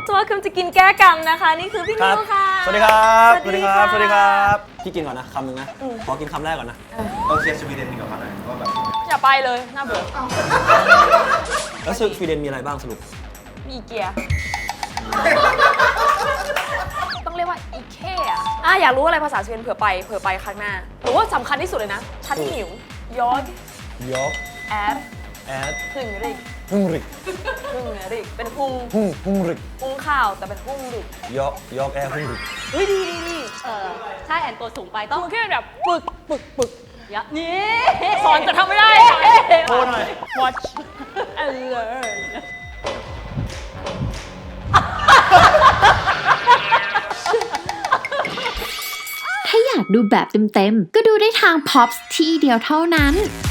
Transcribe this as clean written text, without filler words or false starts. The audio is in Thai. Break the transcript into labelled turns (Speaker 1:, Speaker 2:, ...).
Speaker 1: welcome จะกินแก้กรรมนะคะนี่คือพี่นิวค่ะ
Speaker 2: สวัสดีครับ
Speaker 1: สวัสดีครับ
Speaker 2: สวัสดีครับพี่กินก่อนนะคำหนึ่งนะขอกินคำแรกก่อนนะ
Speaker 3: ต้องเชียร์สวีเดนดีกว่านะว่าแบบ
Speaker 1: อย่าไปเลยน่าเบื่อ
Speaker 2: แล้วสวีเดนมีอะไรบ้างสรุป
Speaker 1: มีอีเกียต้องเรียกว่าอีเคอะอยากรู้อะไรภาษาสวีเดนเผื่อไปครั้งหน้าหรือว่าสำคัญที่สุดเลยนะฉันหิวยอด
Speaker 2: ยอก
Speaker 1: แอด
Speaker 2: แอด
Speaker 1: หึงริก
Speaker 2: ฮุงริก
Speaker 1: เป็นหุง
Speaker 2: ฮุงริก
Speaker 1: หุงข้าวแต่เป็นหุงริก
Speaker 2: ยอกแอดฮุงริก
Speaker 1: เฮ้ยดี
Speaker 4: ถ้าแอนตัวสูงไปต้อง
Speaker 1: มันแค่แบบปึก
Speaker 4: เยอะนี่
Speaker 1: สอนจะทำไม่ได้
Speaker 2: โทษหน่อย
Speaker 1: watch and learn
Speaker 5: ถ้าอยากดูแบบเต็มๆ ก็ดูได้ทาง POPS ที่เดียวเท่านั้น